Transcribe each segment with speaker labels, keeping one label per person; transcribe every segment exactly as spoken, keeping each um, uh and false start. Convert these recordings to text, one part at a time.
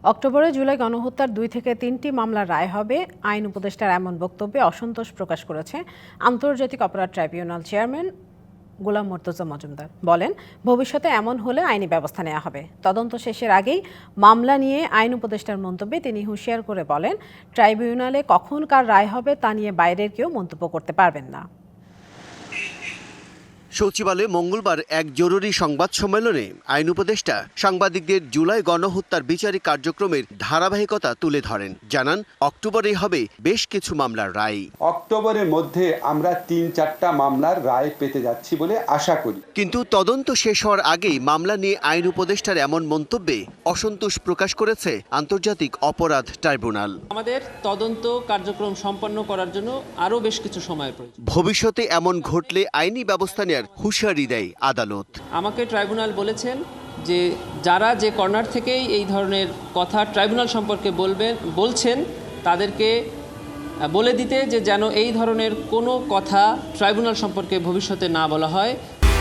Speaker 1: অক্টোবরে জুলাই গণহত্যার দুই থেকে তিনটি মামলার রায় হবে, আইন উপদেষ্টার এমন বক্তব্যে অসন্তোষ প্রকাশ করেছে আন্তর্জাতিক অপরাধ ট্রাইব্যুনাল চেয়ারম্যান গোলাম মর্তুজা মজুমদার। বলেন, ভবিষ্যতে এমন হলে আইনি ব্যবস্থা নেওয়া হবে। তদন্ত শেষের আগেই মামলা নিয়ে আইন উপদেষ্টার মন্তব্যে তিনি হুঁশিয়ার করে বলেন, ট্রাইব্যুনালে কখন কার রায় হবে তা নিয়ে বাইরের কেউ মন্তব্য করতে পারবেন না।
Speaker 2: সচিবালয়ে মঙ্গলবার এক জরুরি সংবাদ সম্মেলনে আইন উপদেষ্টা সাংবাদিকদের জুলাই গণহত্যার বিচারিক কার্যক্রমের ধারাবাহিকতা তুলে ধরেন। জানান, অক্টোবরে হবে বেশ কিছু মামলার রায়।
Speaker 3: অক্টোবরের মধ্যে আমরা তিন চারটা মামলার রায় পেতে যাচ্ছি বলে আশা করি।
Speaker 2: কিন্তু তদন্ত শেষ হওয়ার আগেই মামলা নিয়ে আইন উপদেষ্টার এমন মন্তব্যে অসন্তোষ প্রকাশ করেছে আন্তর্জাতিক অপরাধ ট্রাইব্যুনাল।
Speaker 4: আমাদের তদন্ত কার্যক্রম সম্পন্ন করার জন্য আরও বেশ কিছু সময় প্রয়োজন।
Speaker 2: ভবিষ্যতে এমন ঘটলে আইনি ব্যবস্থা নেওয়ার হুঁশিয়ারি দেয় আদালত।
Speaker 4: আমাকে ট্রাইব্যুনাল বলেছেন যে যারা যে কর্নার থেকেই এই ধরনের কথা ট্রাইব্যুনাল সম্পর্কে বলবেন বলছেন তাদেরকে বলে দিতে যে যেন এই ধরনের কোনো কথা ট্রাইব্যুনাল সম্পর্কে ভবিষ্যতে না বলা হয়।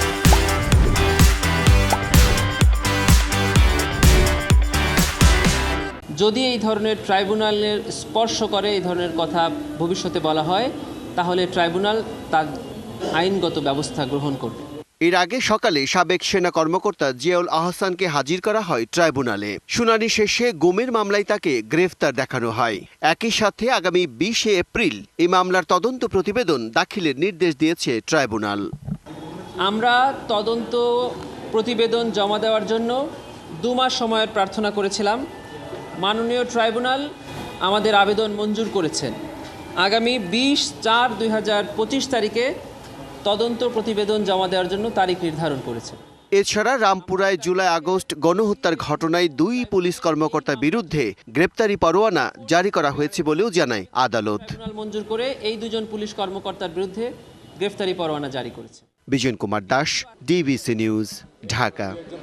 Speaker 4: যদি এই ধরনের ট্রাইব্যুনালের স্পর্শ করে এই ধরনের কথা ভবিষ্যতে বলা হয়, তাহলে ট্রাইব্যুনাল তার আইনগত ব্যবস্থা গ্রহণ করবে।
Speaker 2: এর আগে সকালে সাবেক সেনা কর্মকর্তা জিয়াউল আহসানকে হাজির করা হয় ট্রাইব্যুনালে। শুনানি শেষে গুমের মামলায় তাকে গ্রেফতার দেখানো হয়। একই সাথে আগামী বিশে এপ্রিল এই মামলার তদন্ত প্রতিবেদন দাখিলের নির্দেশ দিয়েছে ট্রাইব্যুনাল।
Speaker 4: আমরা তদন্ত প্রতিবেদন জমা দেওয়ার জন্য দু মাস সময়ের প্রার্থনা করেছিলাম। মাননীয় ট্রাইব্যুনাল আমাদের আবেদন মঞ্জুর করেছেন। আগামী বিশ চার দুই হাজার পঁচিশ তারিখে তদন্ত প্রতিবেদন জমা দেওয়ার জন্য তারিখ নির্ধারণ করেছে।
Speaker 2: এছাড়া রামপুরায় জুলাই আগস্ট গণহত্যার ঘটনায় দুই পুলিশ কর্মকর্তার বিরুদ্ধে গ্রেপ্তারি পরোয়ানা জারি করা হয়েছে বলেও জানায় আদালত।
Speaker 4: ট্রাইব্যুনাল মঞ্জুর করে এই দুজন পুলিশ কর্মকর্তার বিরুদ্ধে গ্রেফতারি পরোয়ানা জারি করেছে।
Speaker 2: Bijon Kumar Das, DBC news, Dhaka.